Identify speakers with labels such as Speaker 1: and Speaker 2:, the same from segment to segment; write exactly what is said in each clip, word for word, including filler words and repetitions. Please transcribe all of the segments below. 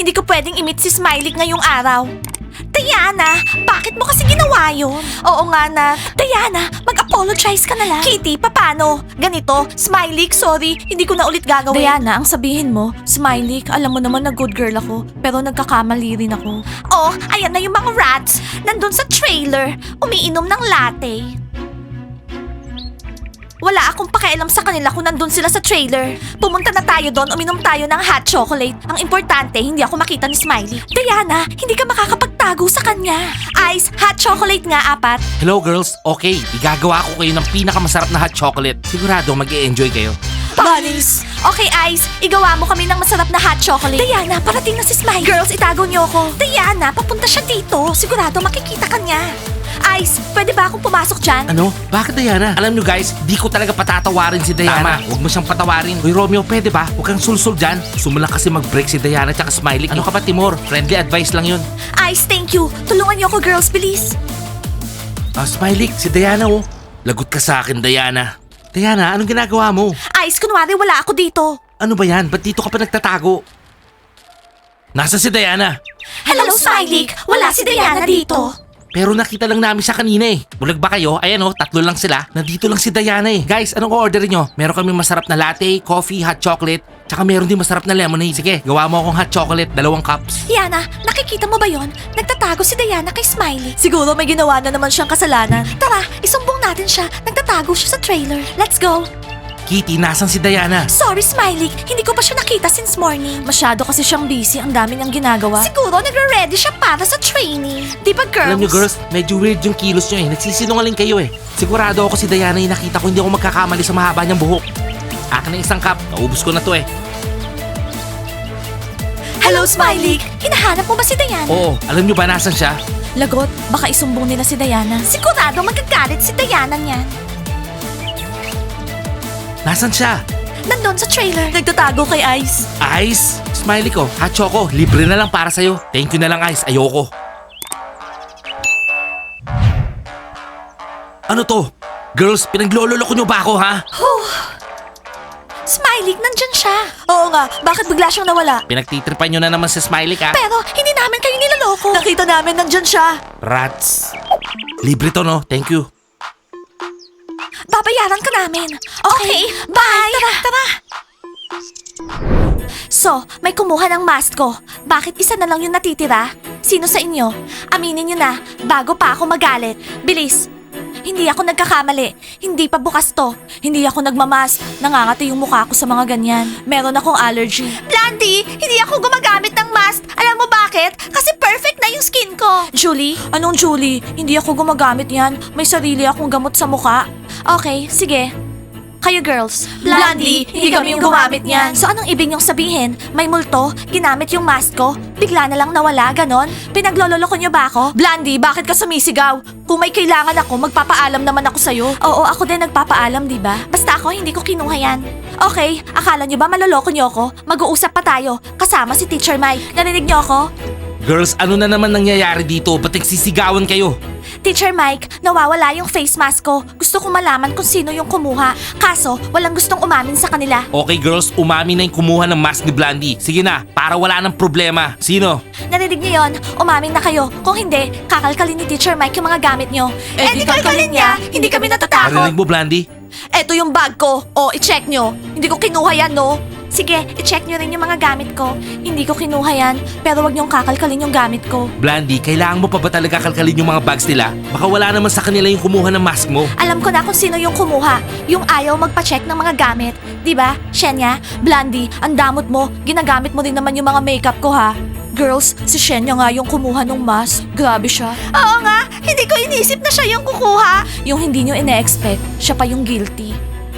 Speaker 1: Hindi ko pwedeng i-meet si Smiley ngayong araw. Diana, bakit mo kasi ginawa yun? Oo nga na. Diana, mag-apologize ka na lang. Kitty, papano? Ganito, Smiley, sorry, hindi ko na ulit gagawin. Diana, ang sabihin mo, Smiley, alam mo naman na good girl ako, pero nagkakamali rin ako. Oh, ayan na yung mga rats. Nandun sa trailer, umiinom ng latte. Wala akong pakialam sa kanila kung nandun sila sa trailer. Pumunta na tayo doon, uminom tayo ng hot chocolate. Ang importante, hindi ako makita ni Smiley. Diana, hindi ka makakapagtago sa kanya. Ice, hot chocolate nga, apat.
Speaker 2: Hello girls, okay, igagawa ko kayo ng pinakamasarap na hot chocolate. Sigurado mag-e-enjoy kayo.
Speaker 1: Bunnies! Okay, Ice, igawa mo kami ng masarap na hot chocolate. Diana, parating na si Smiley. Girls, itago niyo ako. Diana, papunta siya dito. Sigurado makikita ka niya. Ice, pwede ba akong pumasok dyan?
Speaker 2: Ano? Bakit Diana? Alam nyo guys, di ko talaga patatawarin si Diana. Tama, huwag mo siyang patawarin. Uy Romeo, pwede ba? Huwag kang sulsul dyan. Gusto mo lang kasi mag-break si Diana tsaka Smiley. Ano ka ba Timor? Friendly advice lang yun.
Speaker 1: Ice, thank you. Tulungan niyo ako, girls, bilis.
Speaker 2: Ah, Smiley, si Diana oh. Lagot ka sa akin, Diana. Diana, anong ginagawa mo?
Speaker 1: Ice, kunwari wala ako dito.
Speaker 2: Ano ba yan? Ba't dito ka pa nagtatago? Nasa si Diana?
Speaker 1: Hello, Smiley. Wala si Diana dito.
Speaker 2: Pero nakita lang namin siya kanina eh. Bulag ba kayo? Ayan oh, tatlo lang sila. Nandito lang si Diana eh. Guys, anong order nyo? Meron kami masarap na latte, coffee, hot chocolate, tsaka meron din masarap na lemonade. Sige, gawa mo akong hot chocolate, dalawang cups.
Speaker 1: Yana, nakikita mo ba yon? Nagtatago si Diana kay Smiley. Siguro may ginawa na naman siyang kasalanan. Tara, isumbong natin siya. Nagtatago siya sa trailer. Let's go.
Speaker 2: Kitty, nasan si Diana?
Speaker 1: Sorry, Smiley. Hindi ko pa siya nakita since morning. Masyado kasi siyang busy. Ang dami niyang ginagawa. Siguro nagre-ready siya para sa training. Di ba, girls?
Speaker 2: Alam nyo girls, medyo weird yung kilos nyo eh. Nagsisinungaling kayo eh. Sigurado ako si Diana yung nakita ko hindi ako magkakamali sa mahaba niyang buhok. Akin na isang cup. Naubos ko na to eh.
Speaker 1: Hello, Smiley. Hinahanap mo ba si Diana?
Speaker 2: Oo, alam nyo ba nasan siya?
Speaker 1: Lagot, baka isumbong nila si Diana. Sigurado magagalit si Diana niyan.
Speaker 2: Nasan siya?
Speaker 1: Nandun sa trailer. Nagtatago kay Ice.
Speaker 2: Ice? Smiley ko, hot choco, libre na lang para sa'yo. Thank you na lang Ice, ayoko. Ano to? Girls, pinaglololoko nyo ba ako ha?
Speaker 1: Smiley, nandyan siya. Oo nga, bakit bigla siyang nawala?
Speaker 2: Pinagtitripan nyo na naman si Smiley ka?
Speaker 1: Pero hindi namin kayo niloloko. Nakita namin nandyan siya.
Speaker 2: Rats. Libre to no, thank you.
Speaker 1: Babayaran ka namin. Okay, bye. Tara, tara. So, may kumuha ng mask ko. Bakit isa na lang yung natitira? Sino sa inyo? Aminin nyo na, bago pa ako magalit. Bilis. Hindi ako nagkakamali. Hindi pa bukas to. Hindi ako nagmamask. Nangangati yung mukha ko sa mga ganyan. Meron akong allergy. Blandy, hindi ako gumagamit ng mask. Alam mo bakit? Kasi perfect na yung skin ko. Julie? Anong Julie? Hindi ako gumagamit yan. May sarili akong gamot sa mukha. Okay, sige. Kayo girls. Blandy, hindi kami yung gumamit niyan. So anong ibig niyong sabihin? May multo? Ginamit yung mask ko? Bigla na lang nawala, ganon? Pinaglololoko niyo ba ako? Blandy, bakit ka sumisigaw? Kung may kailangan ako, magpapaalam naman ako sa'yo. Oo, ako din nagpapaalam, di ba? Basta ako, hindi ko kinuha yan. Okay, akala niyo ba maloloko niyo ako? Mag-uusap pa tayo, kasama si Teacher Mike. Narinig niyo ako?
Speaker 2: Girls, ano na naman nangyayari dito? Ba't nagsisigawan kayo?
Speaker 1: Teacher Mike, nawawala yung face mask ko. Gusto ko malaman kung sino yung kumuha. Kaso, walang gustong umamin sa kanila.
Speaker 2: Okay girls, umamin na yung kumuha ng mask ni Blandy. Sige na, para wala ng problema. Sino?
Speaker 1: Narinig niyo yon? Umamin na kayo. Kung hindi, kakalkalin ni Teacher Mike yung mga gamit niyo.
Speaker 2: Eh,
Speaker 1: di kalkalin niya, hindi kami natatakot.
Speaker 2: Narinig mo Blandy?
Speaker 1: Eto yung bag ko. O, i-check nyo. Hindi ko kinuha yan, no? Sige, i-check nyo rin yung mga gamit ko. Hindi ko kinuha yan, pero wag nyong kakalkalin yung gamit ko.
Speaker 2: Blandy, kailangan mo pa ba talaga kalkalin yung mga bags nila? Baka wala naman sa kanila yung kumuha ng mask mo.
Speaker 1: Alam ko na kung sino yung kumuha. Yung ayaw magpa-check ng mga gamit. Di ba? Shenya, Blandy, ang damot mo. Ginagamit mo rin naman yung mga makeup ko, ha? Girls, si Shenya nga yung kumuha ng mask. Grabe siya. Oo nga, hindi ko inisip na siya yung kukuha. Yung hindi nyo ine-expect, siya pa yung guilty.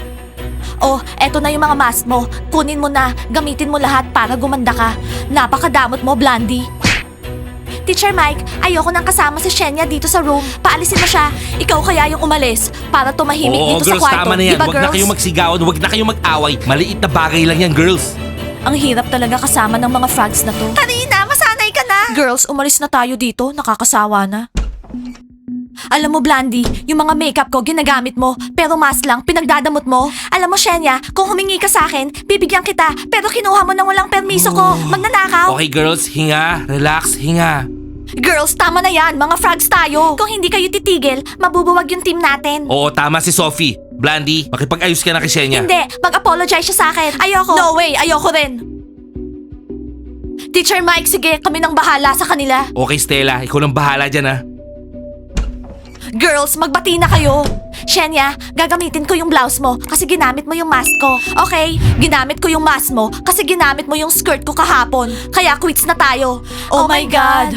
Speaker 1: Oh, eto na yung mga mask mo. Kunin mo na, gamitin mo lahat para gumanda ka. Napakadamot mo, Blandy. Teacher Mike, ayoko nang kasama si Shenya dito sa room. Paalisin mo siya. Ikaw kaya yung umalis para tumahimik
Speaker 2: Oo,
Speaker 1: dito
Speaker 2: girls,
Speaker 1: sa kwarto.
Speaker 2: tama na yan.
Speaker 1: Diba,
Speaker 2: Huwag na
Speaker 1: girls?
Speaker 2: kayong magsigawan, huwag na kayong mag-away. Maliit na bagay lang yan, girls.
Speaker 1: Ang hirap talaga kasama ng mga frogs na to. Karina, masanay ka na. Girls, umalis na tayo dito. Nakakasawa na. Alam mo, Blandy, yung mga makeup ko ginagamit mo, pero mask lang, pinagdadamot mo. Alam mo, Shenya, kung humingi ka sa akin, bibigyan kita, pero kinuha mo nang walang permiso ko. Magnanakaw.
Speaker 2: Okay girls, hinga, relax, hinga.
Speaker 1: Girls, tama na yan. Mga frogs tayo. Kung hindi kayo titigil, mabubuwag yung team natin.
Speaker 2: Oo, tama si Sophie. Blandy, makipag-ayos ka na kay Shenya.
Speaker 1: Hindi, mag-apologize siya sa akin. Ayoko. No way, ayoko rin. Teacher Mike, sige, kami nang bahala sa kanila.
Speaker 2: Okay Stella, ikaw lang bahala dyan ha.
Speaker 1: Girls, magbati na kayo. Shenya, gagamitin ko yung blouse mo kasi ginamit mo yung mask ko. Okay? Ginamit ko yung mask mo kasi ginamit mo yung skirt ko kahapon. Kaya quits na tayo. Oh, my God.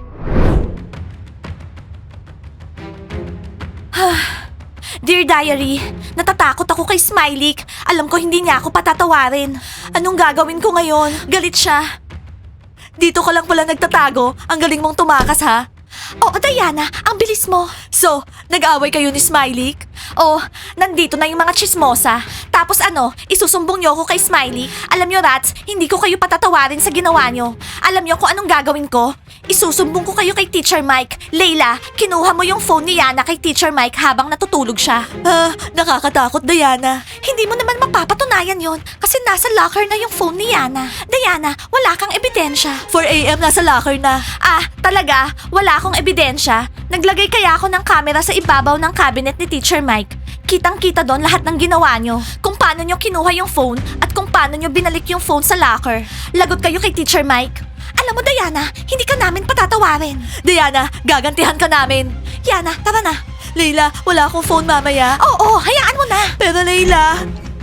Speaker 1: Dear Diary, natatakot ako kay Smiley. Alam ko hindi niya ako patatawarin. Anong gagawin ko ngayon? Galit siya. Dito ka lang pala nagtatago. Ang galing mong tumakas ha. Oo, Diana, ang bilis mo. So, nag-away kayo ni Smiley? Oh, nandito na yung mga chismosa. Tapos ano, isusumbong niyo ako kay Smiley? Alam niyo, Rats, hindi ko kayo patatawarin sa ginawa niyo. Alam niyo kung anong gagawin ko? Isusumbong ko kayo kay Teacher Mike. Layla, kinuha mo yung phone ni Yana kay Teacher Mike habang natutulog siya. Ah, nakakatakot, Diana. Hindi mo naman mapapatunayan yon kasi nasa locker na yung phone ni Yana. Diana, wala kang ebidensya. four a.m. nasa locker na. Ah, talaga? Wala akong ebidensya? Naglagay kaya ako ng camera sa ibabaw ng cabinet ni Teacher Mike. Kitang-kita doon lahat ng ginawa nyo. Kung paano nyo kinuha yung phone at kung paano nyo binalik yung phone sa locker. Lagot kayo kay Teacher Mike. Alam mo, Diana, hindi ka namin patatawarin. Diana, gagantihan ka namin. Yana, tara na. Leila, wala akong phone mamaya. Oo, hayaan mo na. Pero Leila...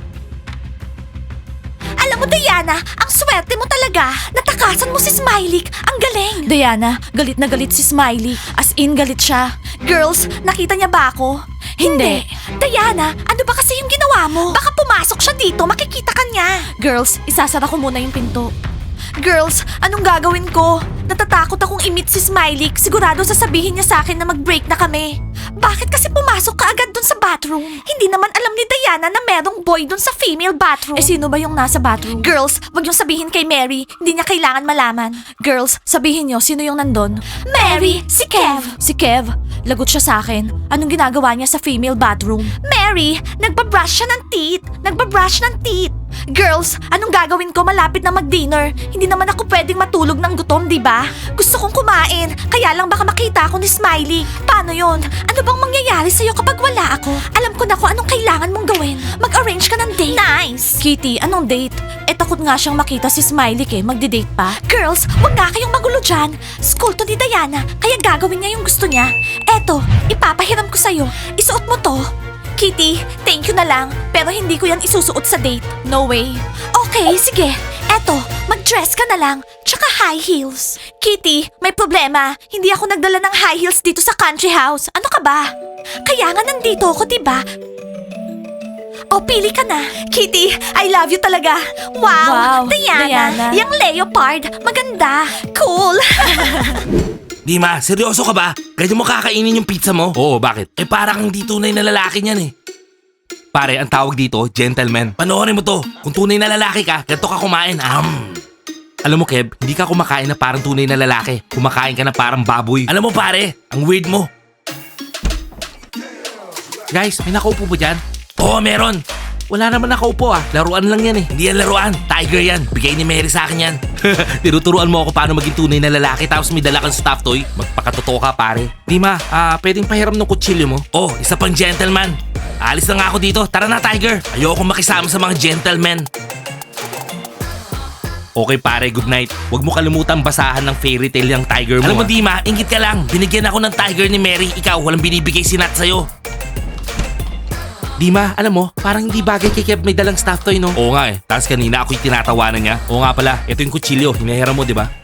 Speaker 1: Alam mo, Diana, ang swerte mo talaga. Natakasan mo si Smiley. Ang galing. Diana, galit na galit si Smiley. As in, galit siya. Girls, nakita niya ba ako? Hindi. Diana, ano ba kasi yung ginawa mo? Baka pumasok siya dito, makikita ka niya. Girls, isasara ko muna yung pinto. Girls, anong gagawin ko? Natatakot akong i-meet si Smiley. Sigurado sasabihin niya sa akin na mag-break na kami. Bakit kasi pumasok ka agad dun sa bathroom? Hindi naman alam ni Diana na merong boy dun sa female bathroom. Eh sino ba yung nasa bathroom? Girls, wag yung sabihin kay Mary. Hindi niya kailangan malaman. Girls, sabihin niyo sino yung nandun? Mary! Si Kev! Si Kev? Lagot siya sa akin. Anong ginagawa niya sa female bathroom? Mary! Nagbabrush siya ng teeth! Nagbabrush ng teeth! Girls, anong gagawin ko malapit na mag-dinner? Hindi naman ako pwedeng matulog ng gutom, di ba? Gusto kong kumain, kaya lang baka makita ako ni Smiley. Paano yon? Ano bang mangyayari sa'yo kapag wala ako? Alam ko na kung anong kailangan mong gawin. Mag-arrange ka ng date. Nice! Kitty, anong date? Eh takot nga siyang makita si Smiley eh. Magdi-date pa. Girls, wag nga kayong magulo dyan. School to ni Diana, kaya gagawin niya yung gusto niya. Eto, ipapahiram ko sa'yo. Isuot mo to. Kitty, thank you na lang. Pero hindi ko yan isusuot sa date. No way. Okay, sige. Eto, mag-dress ka na lang. Tsaka high heels. Kitty, may problema. Hindi ako nagdala ng high heels dito sa country house. Ano ka ba? Kaya nga nandito ako, diba? O, pili ka na. Kitty, I love you talaga. Wow,
Speaker 3: Wow,
Speaker 1: Diana,
Speaker 3: Diana.
Speaker 1: yung leopard. Maganda. Cool.
Speaker 2: Dima, seryoso ka ba? Ganyan mo kakainin yung pizza mo? Oo, bakit? Eh para kang di tunay na lalaki niyan eh. Pare, ang tawag dito, gentleman. Panoorin mo to. Kung tunay na lalaki ka, ganito ka kumain. Am. Alam mo, Kev, hindi ka kumakain na parang tunay na lalaki. Kumakain ka na parang baboy. Alam mo, pare, ang weird mo. Guys, may nakaupo po dyan? Oo, meron. Wala naman nakaupo ah. Laruan lang yan eh. Hindi yan laruan. Tiger yan. Bigay ni Mary sa akin yan. Tinuturuan mo ako paano maging tunay na lalaki tapos may dala kang stuffed toy. Magpakatotoo ka pare. Dima, ah, pwedeng pahiram ng kutsilyo mo? Oh, isa pang gentleman. Alis na nga ako dito. Tara na, Tiger. Ayoko makisama sa mga gentlemen. Okay pare, good night. Huwag mo kalimutan basahan ng fairy tale yung Tiger mo. Alam mo, Dima, ingit ka lang. Binigyan ako ng Tiger ni Mary. Ikaw, walang binibigay si Nat sa'yo. Dima, alam mo, parang hindi bagay kay Kev may dalang stuffed toy, no? Oo nga eh. Tapos kanina ako yung tinatawanan niya. Oo nga pala, ito yung kutsilyo. Hinahiram mo, di ba?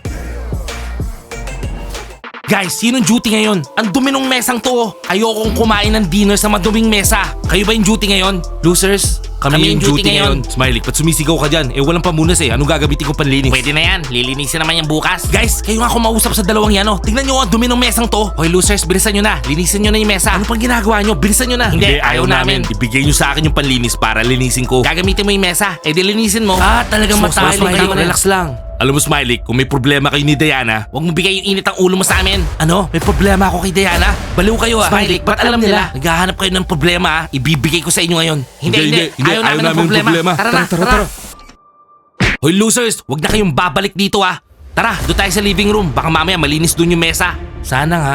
Speaker 2: Guys, sinong duty ngayon? Ang dumi ng mesang to. Ayokong kumain ng dinner sa maduming mesa. Kayo ba yung duty ngayon? Losers? Kami, yung duty, ngayon. Smiley, ba't sumisigaw ka dyan? Eh, walang pamunas eh. Anong gagamitin ko panlinis? Pwede na yan. Lilinisin naman yung bukas. Guys, kayo nga kumausap sa dalawang yan, oh. Tingnan nyo ang dumi ng mesang to. Okay, losers, bilisan nyo na. Linisin nyo na yung mesa. Ano pang ginagawa nyo? Bilisan nyo na. Hindi, ayaw, namin. Ibigay nyo sa akin yung panlinis para linisin ko. Gagamitin mo yung mesa. Eh, di linisin mo. Ah, talagang
Speaker 4: So,
Speaker 2: matayo
Speaker 4: Smiley,
Speaker 2: kayo. Relax lang. Alam mo, Smiley, kung may problema kayo ni Diana, huwag mo bigay yung init ang ulo mo sa amin. Ano? May problema ako kay Diana? Baliw kayo ah. Smiley, ba't alam nila? Naghahanap kayo ng problema ah. Ibibigay ko sa inyo ngayon. Hindi, hindi. Ayaw, namin ng problema. Tara na, tara, tara. Hoy losers, huwag na kayong babalik dito ah. Tara, doon tayo sa living room. Baka mamaya malinis doon yung mesa. Sana nga.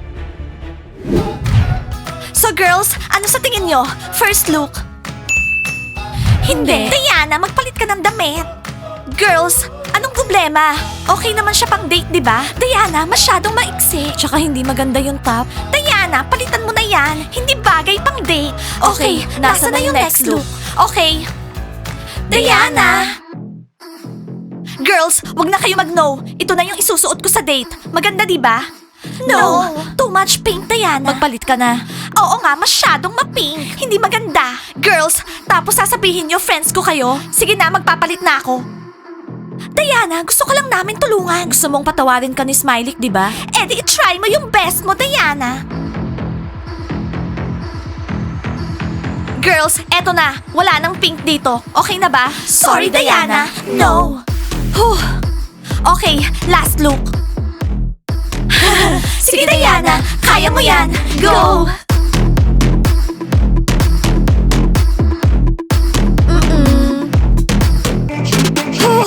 Speaker 1: So girls, ano sa tingin nyo? First look? Hindi. Diana, magpalit ka ng damit. Girls, anong problema? Okay naman siya pang date, di ba? Diana, masyadong maiksi. Tsaka hindi maganda yung top. Diana, palitan mo na yan. Hindi bagay pang date. Okay, nasa, na yung next look? Okay. Diana! Girls, wag na kayo mag-no. Ito na yung isusuot ko sa date. Maganda, di ba? No. Too much pink, Diana. Magpalit ka na. Oo nga, masyadong ma-pink. Hindi maganda. Girls, tapos sasabihin niyo friends ko kayo? Sige na, magpapalit na ako. Diana, gusto ko lang namin tulungan. Gusto mong patawarin ka ni Smiley, di ba? Eh di try mo yung best mo, Diana. Girls, eto na. Wala nang pink dito. Okay na ba? Sorry, Diana. No. Huh. Okay, last look. Sige, Diana. Kaya mo yan. Go! Mm-mm. Huh.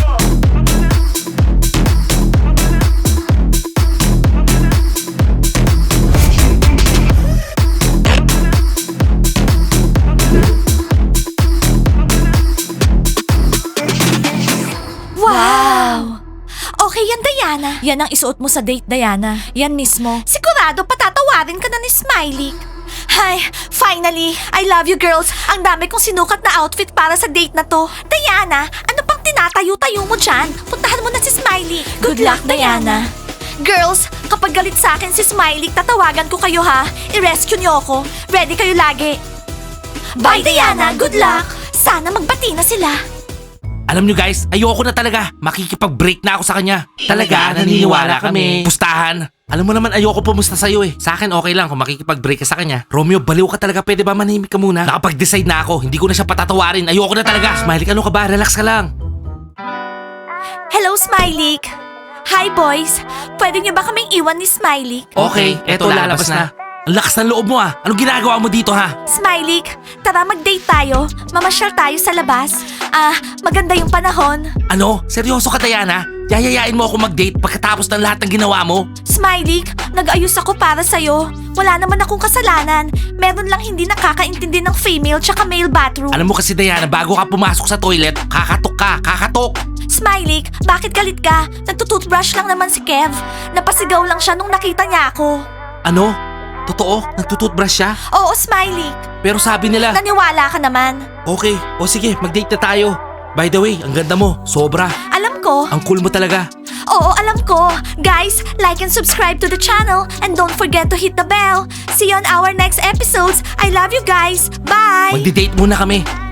Speaker 1: Wow! Okay yan, Diana. Yan ang isuot mo sa date, Diana. Yan mismo. Sigurado patatawarin ka na ni Smiley. Hi, finally! I love you, girls. Ang dami kong sinukat na outfit para sa date na to. Diana, ano pang tinatayo-tayo mo dyan? Puntahan mo na si Smiley. Good, luck, Diana. Girls, kapag galit sa akin si Smiley, tatawagan ko kayo ha. I-rescue niyo ako. Ready kayo lagi. Bye, Diana. Good luck. Sana magbati na sila.
Speaker 2: Alam nyo guys, ayoko na talaga. Makikipag-break na ako sa kanya. Talaga, naniniwala kami. Pustahan. Alam mo naman ayoko pumusta sa'yo eh. Sa akin okay lang kung makikipag-break ka sa kanya. Romeo, baliw ka talaga. Pwede ba manahimik ka muna? Nakapag-decide na ako. Hindi ko na siya patatawarin. Ayoko na talaga. Smiley, ano ka ba? Relax ka lang.
Speaker 1: Hello, Smiley. Hi, boys. Pwede niyo ba kaming iwan ni Smiley?
Speaker 2: Okay, eto lalabas na. Ang lakas ng loob mo ah. Anong ginagawa mo dito ha?
Speaker 1: Smiley, tara mag-date tayo. Mamasyal tayo sa labas. Ah, maganda yung panahon.
Speaker 2: Ano? Seryoso ka, Diana? Yayayain mo ako mag-date pagkatapos ng lahat ng ginawa mo?
Speaker 1: Smiley, nag-ayos ako para sa'yo. Wala naman akong kasalanan. Meron lang hindi nakakaintindi ng female tsaka male bathroom.
Speaker 2: Alam mo kasi, Diana, bago ka pumasok sa toilet, kakatok ka, kakatok.
Speaker 1: Smiley, bakit galit ka? Nagtutoothbrush lang naman si Kev. Napasigaw lang siya nung nakita niya ako.
Speaker 2: Ano? Totoo? Nagtututbrush siya?
Speaker 1: Oo, Smiley.
Speaker 2: Pero sabi nila...
Speaker 1: Naniwala ka naman.
Speaker 2: Okay, o sige, mag-date na tayo. By the way, ang ganda mo, sobra.
Speaker 1: Alam ko.
Speaker 2: Ang cool mo talaga.
Speaker 1: Oo, alam ko. Guys, like and subscribe to the channel and don't forget to hit the bell. See you on our next episodes. I love you guys. Bye!
Speaker 2: Magdi-date muna kami.